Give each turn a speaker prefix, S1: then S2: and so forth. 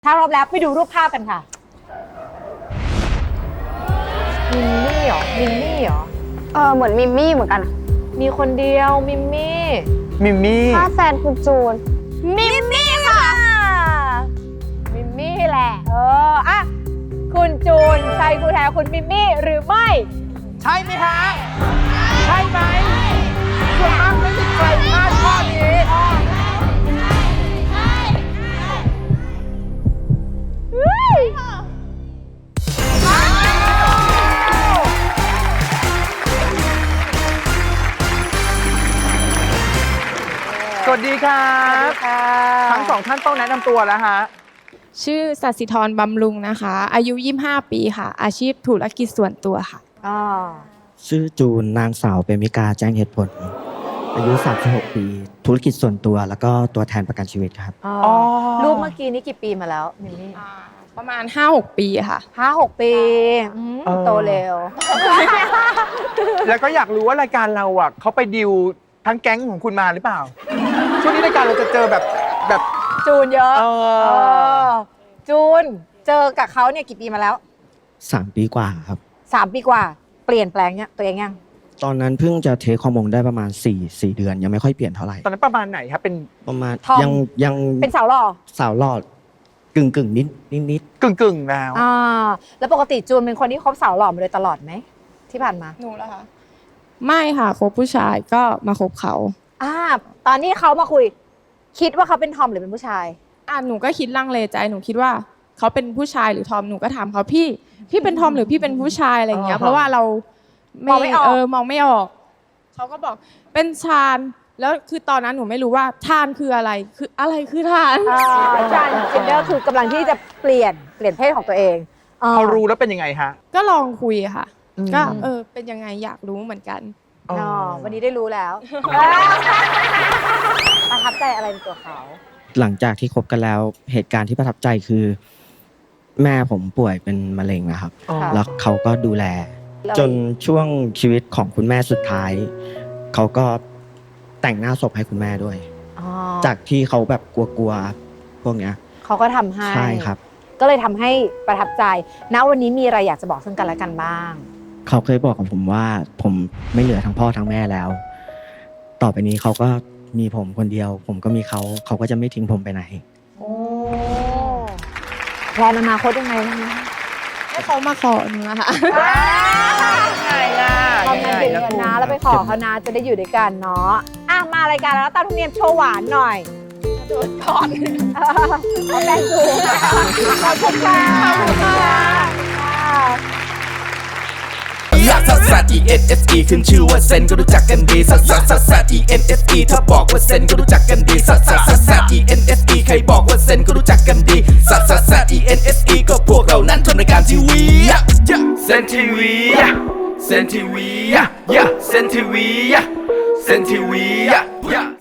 S1: ถ้าพร้อมแล้วไปดูรูปภาพกันค่ะมิมมี่เหรอมิมมี่เหรอ
S2: เหมือนมิมมี่เหมือนกัน
S1: มีคนเดียวมิมมี่
S3: มิมมี่
S2: ถ้าแฟนคุณจูน
S1: มิมมี่ค่ะมิมมี่แหละอ่ะคุณจูนใช่คู่แท้คุณมิมมี่หรือไม่
S3: ใช่ไหมคะใช่ไหมส่วนมากไม่มีใครพลาดข้อนี้สวัสดีครับทั้งสองท่านต้องแนะนำตัวแล้วฮะ
S4: ชื่อสัสิธรบำรุงนะคะอายุ25 ปีค่ะอาชีพธุรกิจส่วนตัวค่ะ
S5: ชื่อจูนนางสาวเปรมิกาแจ้งเหตุผลอายุ36 ปีธุรกิจส่วนตัวแล้วก็ตัวแทนประกันชีวิตครับ
S1: รูปเมื่อกี้นี้กี่ปีมาแล้วมิมมี่
S4: ประมาณ 5-6 ปีค่ะ
S1: 5-6 ปีโตเร็ว
S3: แล้วก็อยากรู้ว่ารายการเราอ่ะเขาไปดิวทั้งแก๊งของคุณมาหรือเปล่าช่วงนี้รายการเราจะเจอแบบ
S1: จูนเยอะจูนเจอกับเขาเนี่ยกี่ปีมาแล้ว
S5: 3 ปีกว่าครับ
S1: 3 ปีกว่าเปลี่ยนแปลงเนี่ยตัวเองยัง
S5: ตอนนั้นเพิ่งจะเทคฮอร์โมนได้ประมาณ4 เดือนยังไม่ค่อยเปลี่ยนเท่าไหร่
S3: ตอนนั้นประมาณไหนครับเป็น
S5: ประมาณ
S1: ทอง
S5: ยัง
S1: เป็นสาวหล่อ
S5: สาวหล่อกึ่งนิด
S3: กึ่งแล้ว
S1: แล้วปกติจูนเป็นคนที่คบสาวหล่อมาโดยตลอดไหมที่ผ่านมา
S4: หนูเหรอคะไม่ค่ะคบผู้ชายก็มาคบเขา
S1: ตอนนี้เขามาคุยคิดว่าเขาเป็นทอมหรือเป็นผู้ชาย
S4: หนูก็คิดลังเลใจหนูคิดว่าเขาเป็นผู้ชายหรือทอมหนูก็ถามเขาพี่เป็นทอมหรือพี่เป็นผู้ชายอะไรอย่างเงี้ยเพราะว่าเรา
S1: มองไม่ออก
S4: มองไม่ออกเขาก็บอกเป็นชานแล้วคือตอนนั้นหนูไม่รู้ว่าทานคืออะไรคือทาน
S1: ทานเจนเดอร์คือกำลังที่จะเปลี่ยนเพศของตัวเอง
S3: เขารู้แล้วเป็นยังไงฮะ
S4: ก็ลองคุยค่ะก็เป็นยังไงอยากรู้เหมือนกัน
S1: วันนี้ได้รู้แล้วประทับใจอะไรในตัวเขา
S5: หลังจากที่คบกันแล้วเหตุการณ์ที่ประทับใจคือแม่ผมป่วยเป็นมะเร็งนะครับแล้วเขาก็ดูแลจนช่วงชีวิตของคุณแม่สุดท้ายเขาก็แต่งหน้าศพให้คุณแม่ด้วยจากที่เขาแบบกลัวพวกเนี้ย
S1: เขาก็ทำให้
S5: ใช่ครับ
S1: ก็เลยทำให้ประทับใจณวันนี้มีอะไรอยากจะบอกซึ่งกันและกันบ้าง
S5: เขาเคยบอกกับผมว่าผมไม่เหลือทั้งพ่อทั้งแม่แล้วต่อไปนี้เขาก็มีผมคนเดียวผมก็มีเขาก็จะไม่ทิ้งผมไปไหน
S1: แพลนอนาคตยังไงบ้างคะ
S4: ให้เขามาขอหนูนะคะ
S3: ยังไงล่ะ
S1: ทำงานเก่งกันนะแล้วไปขอเขานะจะได้อยู่ด้วยกันเนาะมารายการแล้วตามธรรมเนียมโชว์หวานหน่อย
S4: โดนก่อน
S1: เอาแป้งดูขอบคุณค่ะ
S6: ลักซัสซัส ENSE ขึ้นชื่อว่าเซนก็รู้จักกันดีซัสซัสซัสซัส ENSE ถ้าบอกว่าเซนก็รู้จักกันดีซัสซัสซัสซัส ENSE ใครบอกว่าเซนก็รู้จักกันดีซัสซัสซัส ENSE ก็พวกเรานั้นทำรายการทีวีเซนทีวีเซนทีวีเซนทีวีเซนทีวี